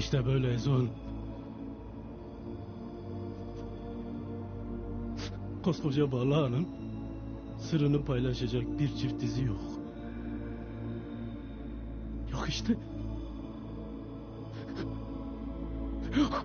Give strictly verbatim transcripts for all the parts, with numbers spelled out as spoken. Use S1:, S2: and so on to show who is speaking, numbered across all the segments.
S1: İşte böyle Ezon. Koskoca Balağan'ın sırrını paylaşacak bir çift dizi yok. Yok işte. Yok.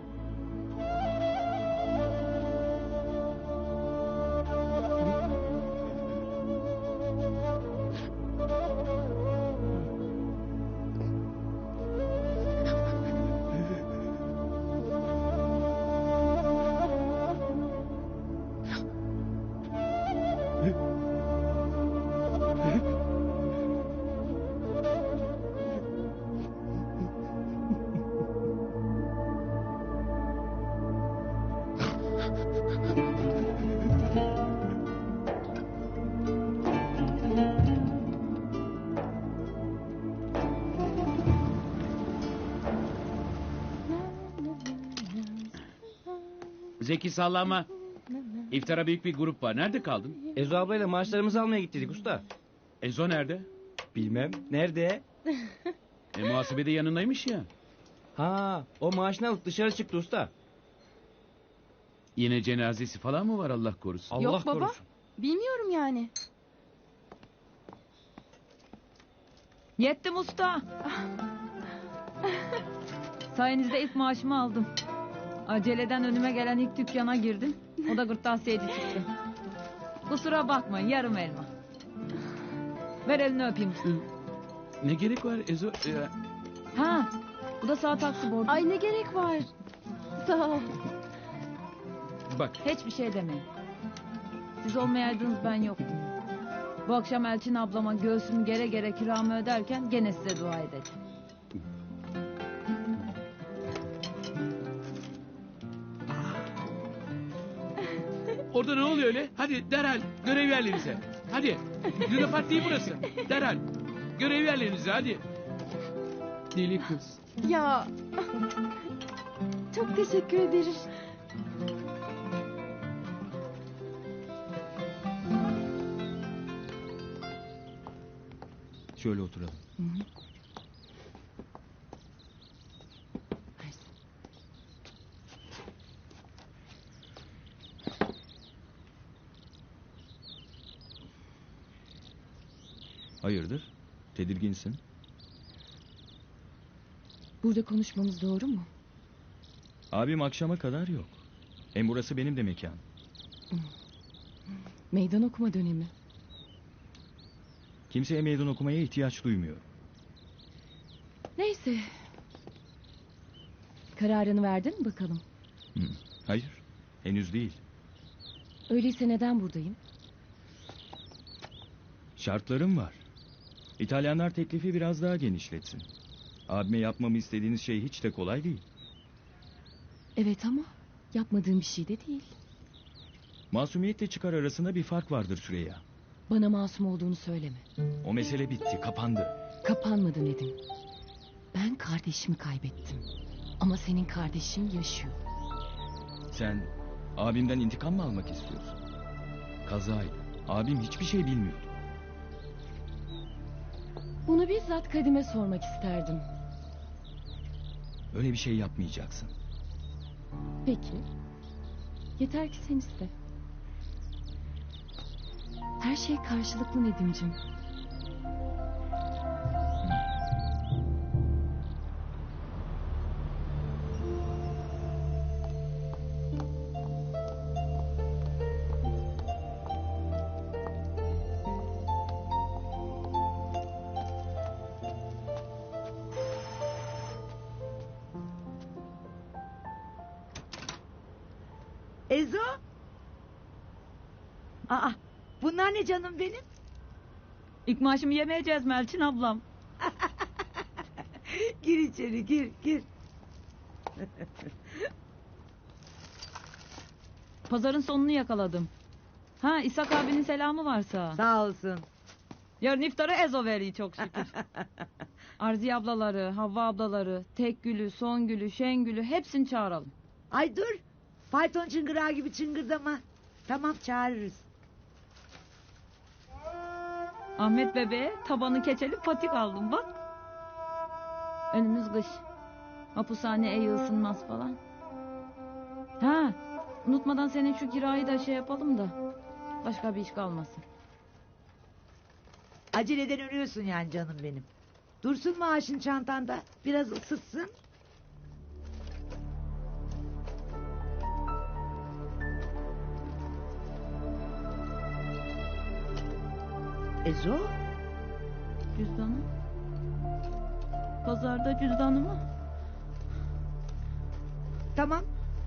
S2: Zeki sallama. İftara büyük bir grup var. Nerede kaldın?
S3: Ezo ablayla maaşlarımızı almaya gittik usta.
S2: Ezo nerede?
S3: Bilmem. Nerede?
S2: E, muhasebede yanındaymış ya.
S3: Ha, o maaşını alıp dışarı çıktı usta.
S2: Yine cenazesi falan mı var Allah korusun?
S3: Allah
S4: Yok baba.
S3: korusun.
S4: Bilmiyorum yani.
S5: Yettim usta. Sayenizde ilk maaşımı aldım. Aceleden önüme gelen ilk dükkana girdim. O da gırttasiyeci çıktı. Kusura bakmayın, yarım elma. Ver elini öpeyim usta.
S2: Ne gerek var Ezo? E,
S5: Ha, bu da sağ taksi borcu.
S4: Ay ne gerek var. Sağ ol.
S2: bak
S5: Hiçbir şey demeyin. Siz olmayaydınız ben yoktum. Bu akşam Elçin ablama göğsümü gere gere kiramı öderken gene size dua edeceğim.
S2: orada ne oluyor öyle? Hadi derhal görev yerlerinize. Hadi. Luna Park değil burası. Derhal. Görev yerlerinize hadi. Deli kız.
S4: Ya. Çok teşekkür ederim.
S3: Şöyle oturalım. Hayırdır? Tedirginsin.
S6: Burada konuşmamız doğru mu?
S3: Abim akşama kadar yok. Hem burası benim de mekanım.
S6: Meydan okuma dönemi.
S3: Kimseye meydan okumaya ihtiyaç duymuyor.
S6: Neyse. Kararını verdin mi bakalım?
S3: Hı. Hayır, henüz değil.
S6: Öyleyse neden buradayım?
S3: Şartlarım var. İtalyanlar teklifi biraz daha genişletsin. Abime yapmamı istediğiniz şey hiç de kolay değil.
S6: Evet ama yapmadığım bir şey de değil.
S3: Masumiyetle çıkar arasında bir fark vardır Süreyya.
S6: Bana masum olduğunu söyleme.
S3: O mesele bitti, kapandı.
S6: Kapanmadı Nedim. Ben kardeşimi kaybettim. Ama senin kardeşin yaşıyor.
S3: Sen abimden intikam mı almak istiyorsun? Kazaydı. Abim hiçbir şey bilmiyordu.
S6: Bunu bizzat Kadim'e sormak isterdim.
S3: Öyle bir şey yapmayacaksın.
S6: Peki. Yeter ki sen iste. Her şey karşılıklı Nedim'cim.
S7: Ezo? Aa, bunlar ne canım benim?
S5: İlk maaşımı yemeyeceğiz mi Elçin ablam?
S7: Gir içeri, gir, gir.
S5: Pazarın sonunu yakaladım. Ha, İshak abinin selamı varsa.
S7: Sağ olsun.
S5: Yarın iftara Ezo veriyor çok şükür. Arziye ablaları, Havva ablaları, Tekgül'ü, Songül'ü, Şengül'ü hepsini çağıralım.
S7: Ay dur. Fayton çıngırağı gibi çıngırdama. Tamam, çağırırız.
S5: Ahmet bebeğe tabanı keçeli patik aldım bak. Önümüz kış. Hapishane iyi ısınmaz falan. Ha, unutmadan senin şu kirayı da şey yapalım da. Başka bir iş kalmasın.
S7: Aceleden ölüyorsun yani canım benim. Dursun maaşın çantanda. Biraz ısıtsın. Ezo?
S5: Cüzdanım. Pazarda cüzdanımı.
S7: Tamam.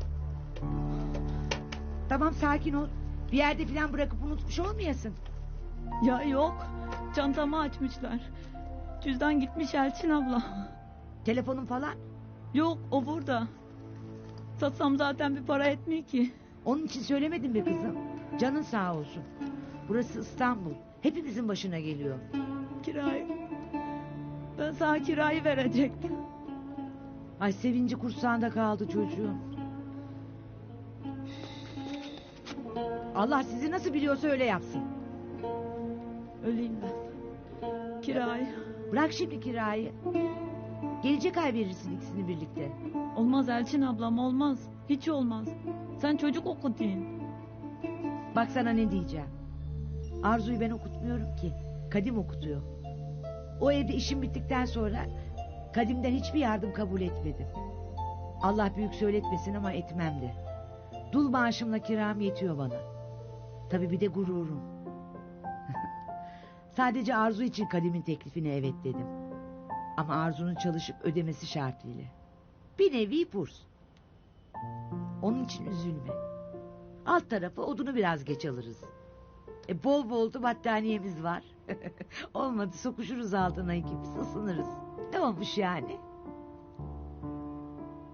S7: Tamam sakin ol. Bir yerde falan bırakıp unutmuş olmayasın.
S5: Ya yok. Çantamı açmışlar. Cüzdan gitmiş Elçin abla.
S7: Telefonun falan.
S5: Yok o burada. Satsam zaten bir para etmiyor ki.
S7: Onun için söylemedim be kızım. Canın sağ olsun. Burası İstanbul. Hepimizin başına geliyor.
S5: Kirayı. Ben sana kirayı verecektim.
S7: Ay sevinci kursağında kaldı çocuğun. Allah sizi nasıl biliyorsa öyle yapsın.
S5: Öleyim ben. Kirayı.
S7: Bırak şimdi kirayı. Gelecek ay verirsin ikisini birlikte.
S5: Olmaz Elçin ablam olmaz. Hiç olmaz. Sen çocuk okutayım.
S7: Bak sana ne diyeceğim. Arzu'yu ben okutmuyorum ki. Kadim okutuyor. O evde işim bittikten sonra Kadim'den hiçbir yardım kabul etmedim. Allah büyük söyletmesin ama etmem de. Dul maaşımla kiram yetiyor bana. Tabii bir de gururum. Sadece Arzu için Kadim'in teklifine evet dedim. Ama Arzu'nun çalışıp ödemesi şartıyla. Bir nevi burs. Onun için üzülme. Alt tarafı odunu biraz geç alırız. E bol bol da battaniyemiz var. Olmadı sokuşuruz altına ikimiz ısınırız. Ne olmuş yani?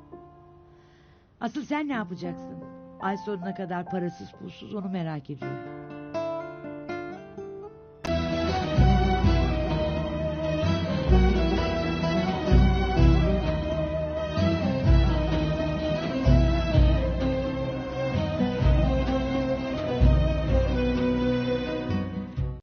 S7: Asıl sen ne yapacaksın? Ay sonuna kadar parasız pulsuz onu merak ediyorum.